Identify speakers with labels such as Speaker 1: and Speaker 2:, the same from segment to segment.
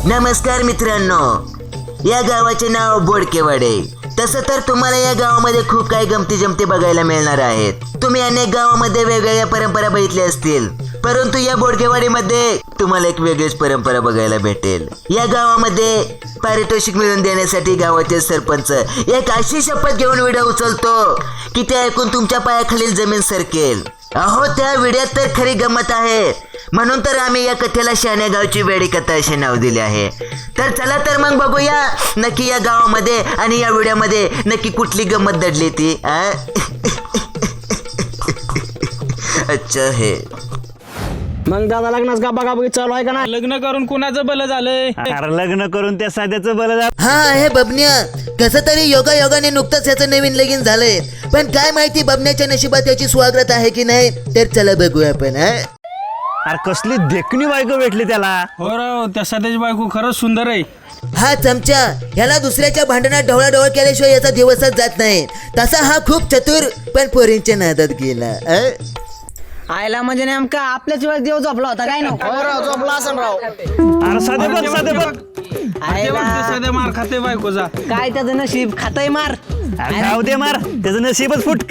Speaker 1: नमस्कार मित्रांनो, या गावाचे नाव बोडकेवाडे. तसं तर तुम्हाला या गावामध्ये खूप काही गमती जमती बघायला मिळणार आहेत. तुम्ही अनेक गावामध्ये वेगवेगळ्या परंपरा बघितल्या असतील, परंतु या बोडकेवाडीमध्ये तुम्हाला एक वेगळीच परंपरा बघायला भेटेल. या गावामध्ये पारितोषिक मिळवून देण्यासाठी गावाचे सरपंच एक अशी शपथ घेऊन विडा उचलतो की ते ऐकून तुमच्या पायाखालील जमीन सरकेल. अहो, त्या विड्यात तर खरी गंमत आहे. म्हणून तर आम्ही या कथेला शहाण्या गावची वेडी कथा असे नाव दिले आहे. तर चला तर मग बघूया नक्की या गावामध्ये आणि या विड्यामध्ये नक्की कुठली गंमत दडली ती. अच्छा हे
Speaker 2: मग दादा लग्नाच गाबागाबी चालू आहे का ना?
Speaker 3: लग्न करून कुणाचं भलं झालंय?
Speaker 2: अरे लग्न करून त्या साध्याचं बरं झालं.
Speaker 1: हा आहे बबन्या. कसं तरी योगायोगाने नुकतंच याचं नवीन लगीन झालंय, पण काय माहिती बबन्याच्या नशिबात याची स्वागत आहे की नाही. तर चला बघूया आपण.
Speaker 2: अरे कसली देखणी बायको भेटली त्याला.
Speaker 3: हो राव, त्या सध्याची बायको खरंच सुंदर आहे.
Speaker 1: हा चमचा, ह्याला दुसऱ्याच्या भांडणात ढवळाढवळ केल्याशिवाय याचा दिवसच जात नाही. तसा हा खूप चतुर, पण पोरींच्या नादात गेला.
Speaker 4: आयला म्हणजे नेमका आपल्याच वेळेस देव झोपला होता काय ना?
Speaker 2: झोपला असं राव. अरे साधे बघ.
Speaker 3: सध्या मार खाते बायकोचा.
Speaker 4: काय त्याचं नशीब खातय मार.
Speaker 2: जाऊ दे मार, त्याचं नशीबच फुटक.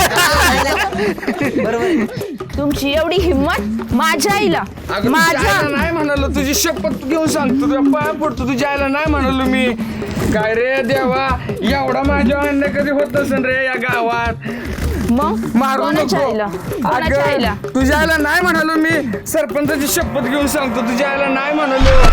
Speaker 4: बरोबर.
Speaker 5: तुमची एवढी हिंमत माझ्या आईला माझ्या
Speaker 3: नाही म्हणालो, तुझी शपथ घेऊन सांगतो, तुझ्या पाया पडतो, तुझ्या आईला नाही म्हणालो मी. काय रे देवा, एवढा माझ्या अन्य कधी होत नसेल रे या गावात.
Speaker 5: मग
Speaker 3: मारू
Speaker 5: कोणाच्या
Speaker 3: नको.
Speaker 5: आईला कोणाच्या आईला
Speaker 3: अगं, तुझ्या आईला नाही म्हणालो मी. सरपंचाची शपथ घेऊन सांगतो, तुझ्या आईला नाही म्हणालो.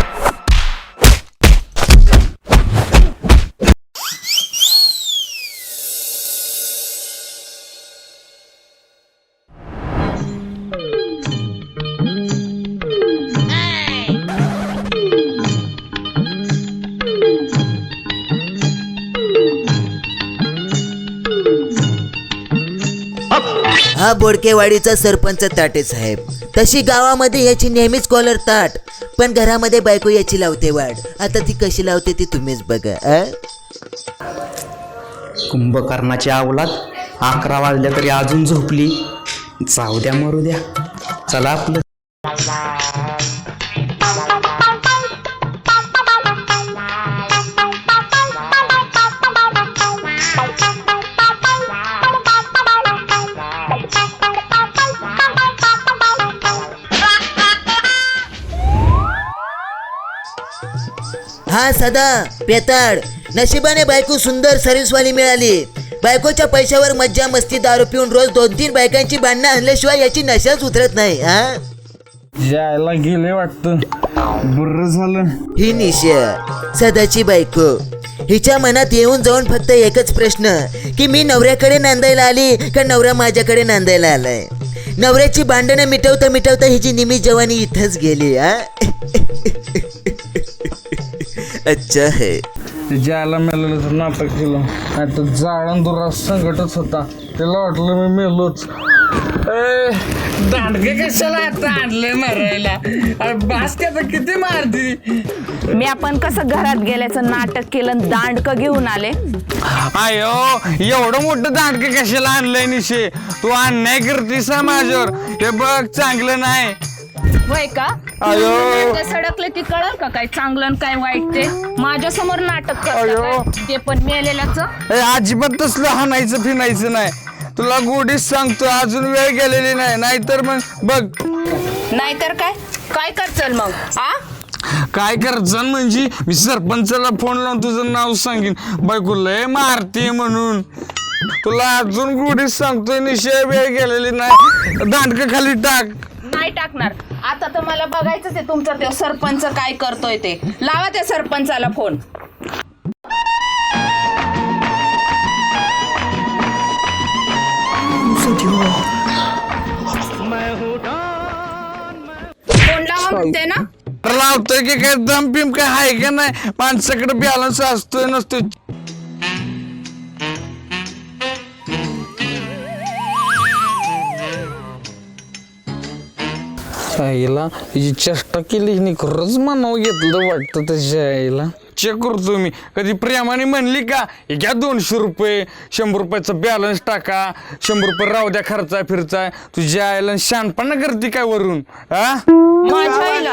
Speaker 1: हा बोडकेवाडीचा सरपंच ताटे साहेब. तशी गावामध्ये याची नेहमीच कॉलर ताट, पण घरामध्ये बायको याची लावते वाढ. आता ती कशी लावते ती तुम्हीच बघा.
Speaker 6: कुंभकर्णाची अवलाद 11 वाजल्या तरी अजून झोपली. जाऊ द्या, मरू द्या. चला आपलं.
Speaker 1: हा सदा पेताड, नशिबाने बायको सुंदर सर्व्हिसवाली मिळाली. बायकोच्या पैशावर मज्जा मस्ती दारू पिऊन रोज 2-3 बायकांची भांडणं आणल्याशिवाय याची नशाच उतरत नाही.
Speaker 3: जायला गेले वाटतं. बरं झालं.
Speaker 1: ही निशा सदाची बायको. हिच्या मनात येऊन जाऊन फक्त एकच प्रश्न की मी नवऱ्याकडे नांदायला आली का नवरा माझ्याकडे नांदायला आलाय. नवऱ्याची भांडणं मिटवता मिटवता हिची निमी जवानी इथंच गेली. अच्छा है.
Speaker 3: ज्याला मेलेलं तर नाटक केलं, नाही तर जाळण दुरा संकटच होता. त्याला वाटलं मी मेलोच. दांडगे कशाला आता आणले मारायला? अरे बास त्याचं किती मारती.
Speaker 5: मी आपण कसं घरात गेल्याचं नाटक केलं, दांडकं घेऊन आले.
Speaker 3: अयो, एवढं मोठं दांडगे कशाला आणलंय निशे? तू अन्याय करतीस ना माझ्यावर. हे बघ, चांगलं नाही.
Speaker 5: होय का? नाटकं सडकले ती कळल का काय चांगलं आणि काय वाईट ते? माझ्या समोर नाटक करता काय? ते पण मेलेल्याचं.
Speaker 3: अजिबात तसलं हाणायचं फिनायचं नाही. तुला गोडीच सांगतो, अजून वेळ गेलेली नाही. नाहीतर मग बघ.
Speaker 5: नाहीतर काय काय करचल मग?
Speaker 3: काय करायचं म्हणजे मी सरपंचाला फोन लावून तुझं नाव सांगेन. बायको लय मारते म्हणून. तुला अजून गोडीच सांगतोय, निश्चय वेळ गेलेली नाही. दांडकं खाली टाक.
Speaker 5: नाही टाकणार. आता तर मला बघायचंच आहे तुमचा ते सरपंच काय करतोय ते. लावा त्या सरपंचाला फोन. फोन लावा म्हणते ना.
Speaker 3: लावतोय की काय दम पिम काय आहे का नाही? माणसाकडे बॅलन्स असतोय नसतोय. आईला हिची चेष्टा केली, हिने खरंच म्हणावं घेतलं वाटतं त्याच्या आईला. चेक करतो मी. कधी प्रेमाने म्हणली का हे घ्या 200 रुपये, 100 रुपयाचा बॅलन्स टाका, 100 रुपये राहू द्या खर्चा फिरचा, तुझ्या आईला शानपणा करते काय वरून हा?
Speaker 5: माझ्या आईला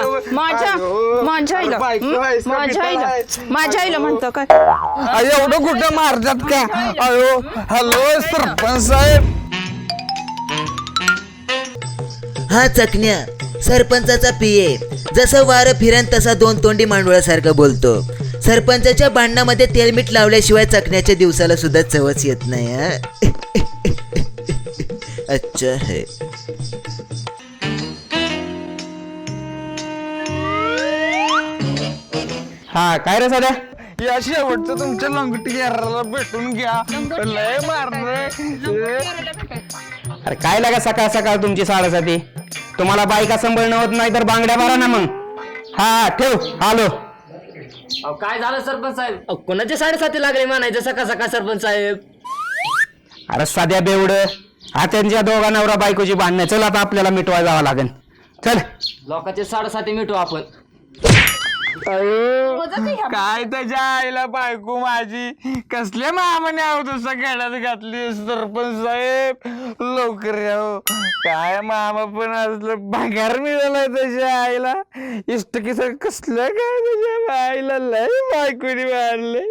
Speaker 5: माझ्या आईला म्हणतो काय?
Speaker 3: एवढं कुठं मारतात का? अयो हॅलो सरपंच साहेब.
Speaker 1: हा चकण्या सरपंचाचा पिये. जसं वारं फिरन तसा 2 तोंडी मांडवळासारखं बोलतो. सरपंचाच्या भांडणामध्ये तेलमीठ लावल्याशिवाय चकण्याच्या दिवसाला सुद्धा चवच येत नाही. हा? अच्छा है.
Speaker 6: हा काय रे सध्या?
Speaker 3: या शेवटचं तुमच्या लंगटी घ्यायला भेटून घ्या. लय मारलंय.
Speaker 6: अरे काय लागा सकाळ सकाळ तुमची साडेसाती? तुम्हाला बायका सांभाळणं होत नाही तर बांगड्या मारा ना मग. हा ठेव आलो.
Speaker 2: काय झालं सरपंच साहेब? कोणाचे 7:30 लागले म्हणायचं सकाळ सकाळ सरपंच साहेब?
Speaker 6: अरे साध्या बेवड, हा त्यांच्या दोघा नवरा बायकोची भांडणं. चल आता आपल्याला मिटवा जावं लागेल. चल.
Speaker 2: लोकांचे 7:30 मिटू आपण.
Speaker 3: काय त्याच्या आईला बायको माझी कसल्या मामाने आहो तसा खेळात घातली सरपंच साहेब. लवकर यावं. काय मामा पण असलं भांगार मिळालाय त्याच्या आईला. इष्टकीस कसलं काय त्याच्या आईला लय बायकोनी मारलंय.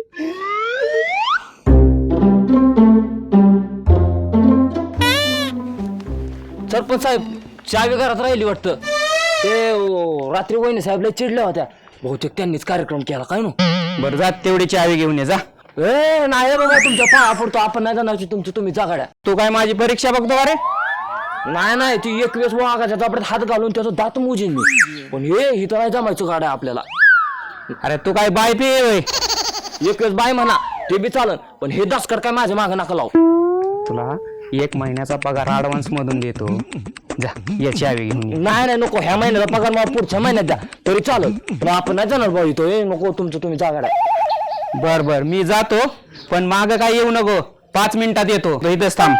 Speaker 2: सरपंच साहेब चावी घरात राहिली वाटतं. ते रात्री वहिनी साहेबला चिडल्या होत्या. बहुतेक त्यांनीच कार्यक्रम केला काय नो.
Speaker 6: बरं जा तेवढी चावी घेऊन ये जा.
Speaker 2: ए नाही बाबा तुमच्या पाया पडतो. आपण नाही जाणार तुमचं तुम्ही जागाड्या.
Speaker 6: तू काय माझी परीक्षा बघतो का रे?
Speaker 2: नाही ती एक वेळेस वाघाच्या जापड्यात हात घालून त्याचं दात मोजेन मी. पण हे हिथं नाही जमायचं गाड्या आपल्याला.
Speaker 6: अरे तू काय बाय पे होय?
Speaker 2: एक वेळेस बाय म्हणा ते बी चालन, पण हे दासकर काय माझ्या मागं नका लावू.
Speaker 6: तुला 1 महिन्याचा पगार ऍडव्हान्स मधून देतो. जा या चावी घेऊन ये.
Speaker 2: नाही नको ह्या महिन्याचा पगार मला पुढच्या महिन्यात द्या तरी चालत. पण आपण नाही जाणार भाऊ इथं. नको तुमचं तुम्ही जागाड्या.
Speaker 6: बर मी जातो, पण माग काय येऊ नको. 5 मिनिटात येतो. तो इथंच थांब.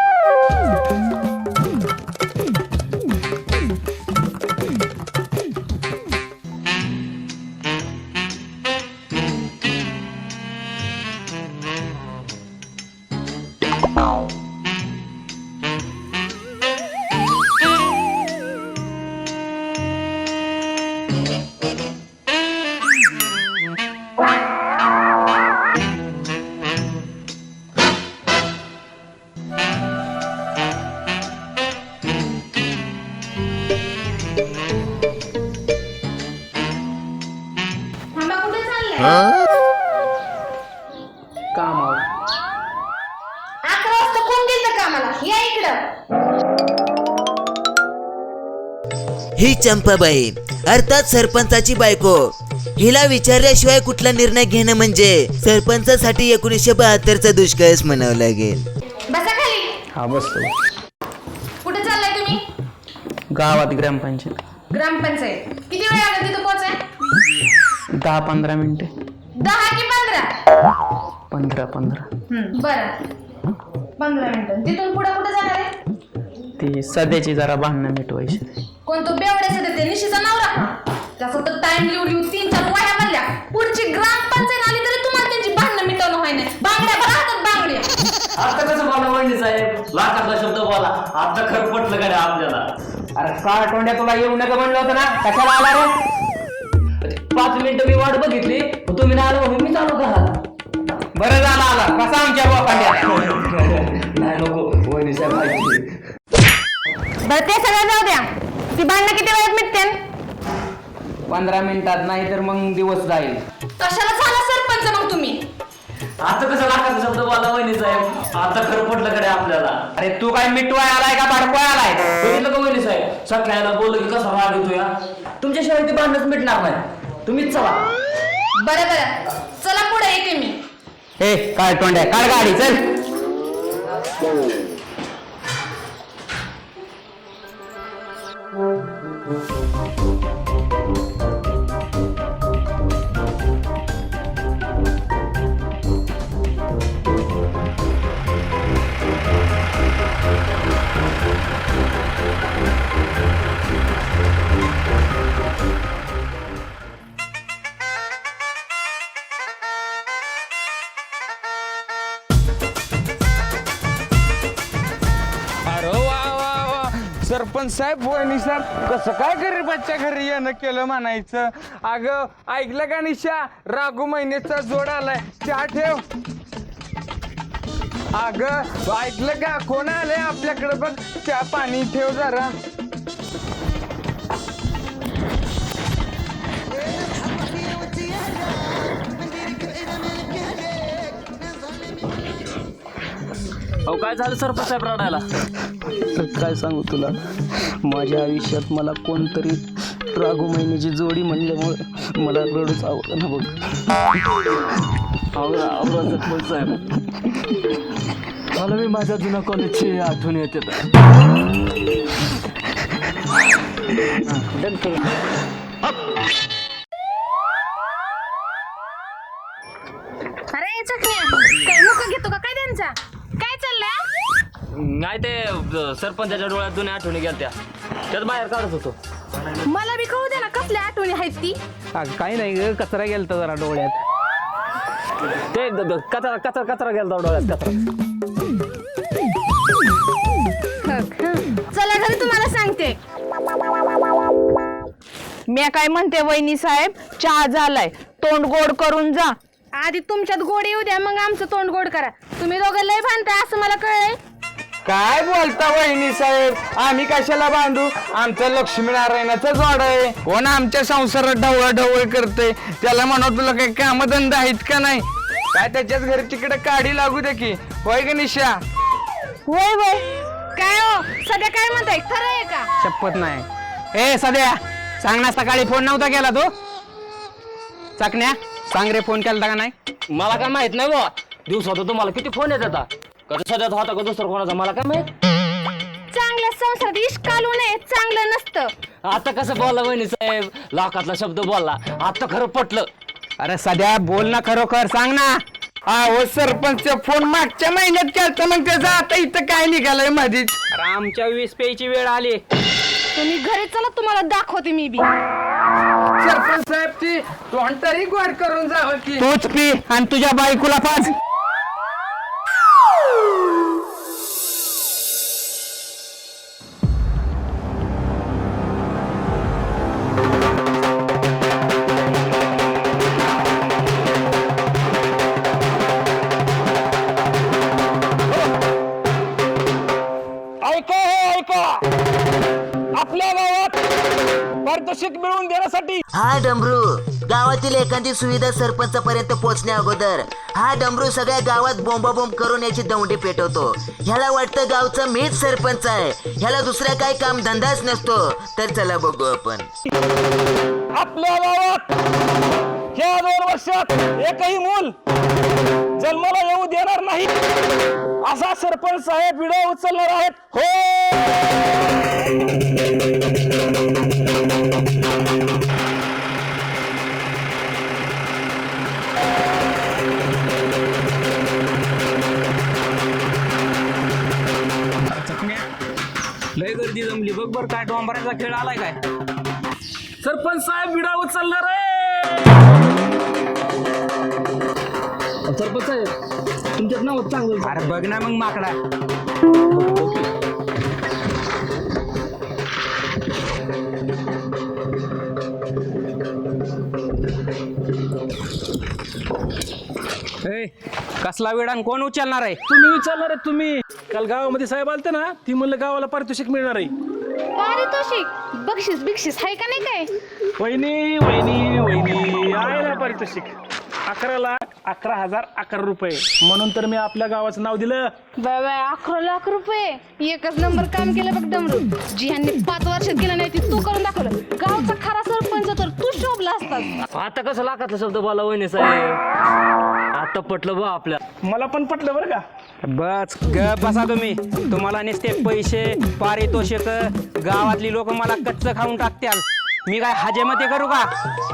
Speaker 1: ही चंपाबाई अर्थात सरपंचाची बायको. हिला विचारल्याशिवाय कुठला निर्णय घेणं म्हणजे सरपंचासाठी 1972चा दुष्काळच म्हणावं लागेल.
Speaker 7: बसा खाली.
Speaker 6: हा बसतो.
Speaker 7: कुठे चाललाय तुम्ही?
Speaker 6: गावात ग्रामपंचायत.
Speaker 7: ग्रामपंचायत. किती वेळ लागेल तिथं पोहोचाय?
Speaker 6: 10-15 मिनिटे.
Speaker 7: 10 की 15?
Speaker 6: 15.
Speaker 7: बरं 15 मिनिटं. तिथून पुढे कुठे जाणार आहे?
Speaker 6: ती सध्याची जरा भांडणं मिटवायची.
Speaker 7: कोण तो बेवड्याचा ते निशीचा नवरा? त्याचा तर टाइम लिहून 3-4 वह्या बनल्या. पुढची ग्रामपंचायत आली तरी तुम्हाला त्यांची भांडणं मिटवणं व्हाय नाही. बांगड्या राहतात बांगड्या.
Speaker 2: आता कसं बोला वहिनी साहेब? लाखातला शब्द बोला. आता खरं पटलं गाड्या आपल्याला.
Speaker 6: अरे का तोंड्या तुला येऊ नका म्हणलं होतं ना? कशाला आला रे?
Speaker 2: 5 मिनिटं मी वाट बघितली तुम्ही नाही आलो म्हणून मी चालू करा.
Speaker 6: बरं झालं आला. कसा आमच्या बापांड्या?
Speaker 2: नाही नको वहिनी साहेब ऐकली.
Speaker 7: बरं ते सगळं जाऊ द्या. ती भांडणं किती वेळात मिटतील?
Speaker 6: 15 मिनिटात नाही तर मग दिवस जाईल.
Speaker 7: कशाला झाला सरपंच मग तुम्ही?
Speaker 2: आता कसं लाखाचा शब्द बोला वहिनी साहेब? आता खरं पटलं गाड्या आपल्याला.
Speaker 6: अरे तू काय मिटवाय आलाय का बाडकवाय आलाय?
Speaker 2: बघितलं का वहिनी साहेब? सगळ्याला बोललं की कसा राग येतो या. तुमच्याशिवाय ते भांडणच मिटणार नाही. तुम्हीच चला.
Speaker 7: बरं चला पुढे येते मी.
Speaker 6: ए काय तोंड्या काढ गाडी चल.
Speaker 3: सरपंच साहेब वहिनी साहेब कसं काय गरीबाच्या घरी येणं केलं म्हणायचं. अगं ऐकलं का निशा, राघू महिन्याचा जोड आलाय, चहा ठेव. अगं ऐकलं का, कोण आलंय आपल्याकडे बघ, चहा पाणी ठेव जरा.
Speaker 2: अहो काय झालं सरपंच साहेब रडायला?
Speaker 6: काय सांगू तुला, माझ्या आयुष्यात मला कोणतरी राघू महिन्याची जोडी म्हणल्यामुळे मला रडूच आवडलं ना बघ.
Speaker 2: सरपंच साहेब, मला मी माझ्या जुन्या कॉलेजची आठवण येते.
Speaker 7: अरे चकण्या काय मुका घेतो का काय त्यांचा? काय चाललंय?
Speaker 2: नाही ते सरपंचाच्या डोळ्यात जुन्या आठवणी गेल्या त्यात बाहेर काढत होतो.
Speaker 7: मला बी कळू दे ना कसल्या आठवणी आहेत ती.
Speaker 6: काही नाही ग, कचरा गेलता जरा डोळ्यात.
Speaker 2: ते कचरा कचरा कचरा गेला डोळ्यात कचरा.
Speaker 7: चला घरी तुम्हाला सांगते.
Speaker 5: मी काय म्हणते वहिनी साहेब, चहा झालाय, तोंड गोड करून जा.
Speaker 7: आधी तुमच्यात गोड येऊ द्या, मग आमचं तोंड गोड करा. तुम्ही दोघं लय भांडताय असं मला कळलंय.
Speaker 3: काय बोलता वहिनी साहेब, आम्ही कशाला बांधू, आमचं लक्ष्मीनारायणाचा जोड आहे. कोण आमच्या संसारात ढवळाढवळ करते, त्याला म्हणा तुला काही कामधंदा आहेत का नाही, काय त्याच्याच घरी तिकडे काढी लागू दे की. होय ग निशा?
Speaker 7: होय होय. काय हो सध्या काय म्हणताय, खरं आहे का?
Speaker 6: शपथ नाही. ए सध्या सांग ना, सकाळी फोन नव्हता केला तू? चकण्या सांग रे, फोन केला का नाही?
Speaker 2: मला काय माहित नाही बा, दिवसात तुम्हाला किती फोन येत आता, कधी सध्याचा होता का दुसरा कोणाचा मला काय माहित.
Speaker 7: चांगल्या संसारात इश्क घालू नये, चांगलं नसतं.
Speaker 2: आता कसं बोलला वहिनी साहेब, लाखातला शब्द बोलला, आता खरं पटलं.
Speaker 6: अरे सध्या बोल ना, खरोखर सांग ना.
Speaker 3: हो सरपंच फोन मागच्या महिन्यात केलता, मग त्याचा आता इथं काय निघालंय मधीच.
Speaker 6: अरे आमच्या 20 प्यायची वेळ आली.
Speaker 7: तुम्ही घरी चला, तुम्हाला दाखवते मी बी.
Speaker 3: सरपंच साहेब ती तोंड तरी गोड करून जावं की.
Speaker 6: तूच पी आणि तुझ्या बायकोला पाच.
Speaker 3: आपल्या गावात पारितोषिक मिळवून देण्यासाठी
Speaker 1: हा डमरू गावातील एखादी सुविधा सरपंचापर्यंत पोहोचण्या अगोदर हा डमरू सगळ्या गावात बोंबाबोंब करून याची दौंडी पेटवतो. ह्याला वाटतं गावचा मीच सरपंच आहे, ह्याला दुसरा काय काम धंदाच नसतो. तर चला बघू आपण.
Speaker 3: आपल्या गावात या 2 वर्षात एकही मूल जन्माला येऊ देणार नाही असा सरपंच साहेब विडा उचलणार आहेत. हो
Speaker 6: लय गर्दी जमली बघ बर, काय डोंबराचा खेळ आलाय काय.
Speaker 3: सरपंच साहेब विडा उचलणार आहे.
Speaker 2: सरपंच साहेब तुमच्यात नाव चांगलं.
Speaker 6: अरे बघ ना मग माकडा. कसला वेळ आणि कोण उचलणार आहे?
Speaker 8: तुम्ही विचारणार आहे. तुम्ही काल गावामध्ये साहेब आलते ना, ती म्हणलं गावाला पारितोषिक मिळणार आहे.
Speaker 7: पारितोषिक बक्षीस बिक्षीस आहे का नाही काय?
Speaker 8: वहिनी वहिनी वहिनी आहे ना पारितोषिक, 11,11,11 रुपये. म्हणून तर मी आपल्या गावाचं नाव दिलं.
Speaker 7: बाबा 11 लाख रुपये, एकच नंबर काम केलं बघ डमरू. जी ह्यांनी 5 वर्षात गेलं नाही ती तू करून दाखवलं. गावचा खरा सरपंच तर तू शोभला असतात.
Speaker 2: आता कसं लाखातला शब्द बोलला वहिनी साहेब, आता पटलं बा आपल्या.
Speaker 8: मला पण पटलं बरं का.
Speaker 6: बस ग बसा तुम्ही. तुम्हाला नुसते पैसे पारितोषिक, गावातली लोक मला कच्च खाऊन टाकत्याल. मी काय हजेमते करू का?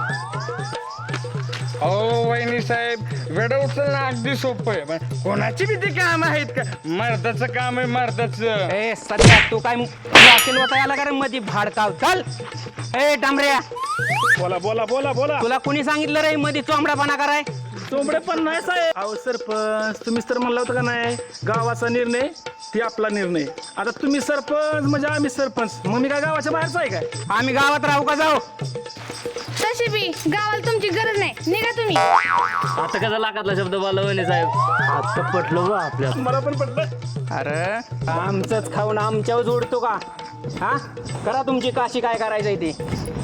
Speaker 3: हो वहिनी साहेब, वेड उचलणं अगदी सोपं आहे, पण कोणाची भीती काम आहेत का? मर्दाचं काम आहे मर्दाचं.
Speaker 6: ए सध्या तू काय वाकेल होता याला का रे मध्ये भाडकाव? चल ए डांबऱ्या,
Speaker 8: बोला बोला बोला बोला.
Speaker 6: तुला कुणी सांगितलं रे मध्ये चोंबडापणा कराय?
Speaker 8: चोंबडे पण नाही साहेब. अहो सरपंच तुम्हीच तर म्हणला होता का नाही गावाचा निर्णय ती आपला निर्णय. आता तुम्ही सरपंच म्हणजे आम्ही सरपंच, मग मी काय गावाच्या बाहेरचा आहे काय?
Speaker 6: आम्ही गावात राहू का जाऊ?
Speaker 7: तशी बी गावाला तुमची गरज नाही, निघा तुम्ही.
Speaker 2: आता कसा लाखातला शब्द बोलला वहिनी साहेब? आता पटलं बा आपल्या.
Speaker 8: मला पण पटलं.
Speaker 6: अरे आमचंच खाऊन आमच्यावर जोडतो का? हा करा तुमची काशी काय करायचंय ते.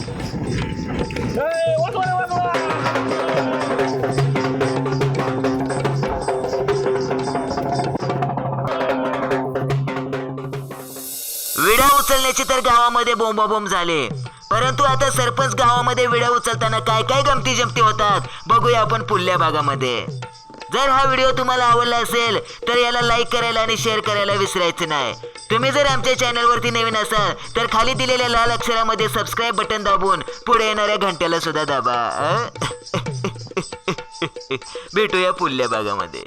Speaker 8: ए, वाजवा रे, वाजवा.
Speaker 1: विडा उचलण्याची तर गावामध्ये बोंबाबोंब झाले, परंतु आता सरपंच गावामध्ये विडा उचलताना काय काय गमती जमती होतात बघूया आपण पुढल्या भागामध्ये. जर हा व्हिडिओ तुम्हाला आवडला असेल तर याला लाईक करायला आणि शेअर करायला विसरायचं नाही. तुम्ही जर आमच्या चॅनलवरती नवीन असाल तर खाली दिलेल्या लाल अक्षरामध्ये सबस्क्राईब बटन दाबून पुढे येणाऱ्या घंट्याला सुद्धा दाबा. भेटूया पुढल्या भागामध्ये.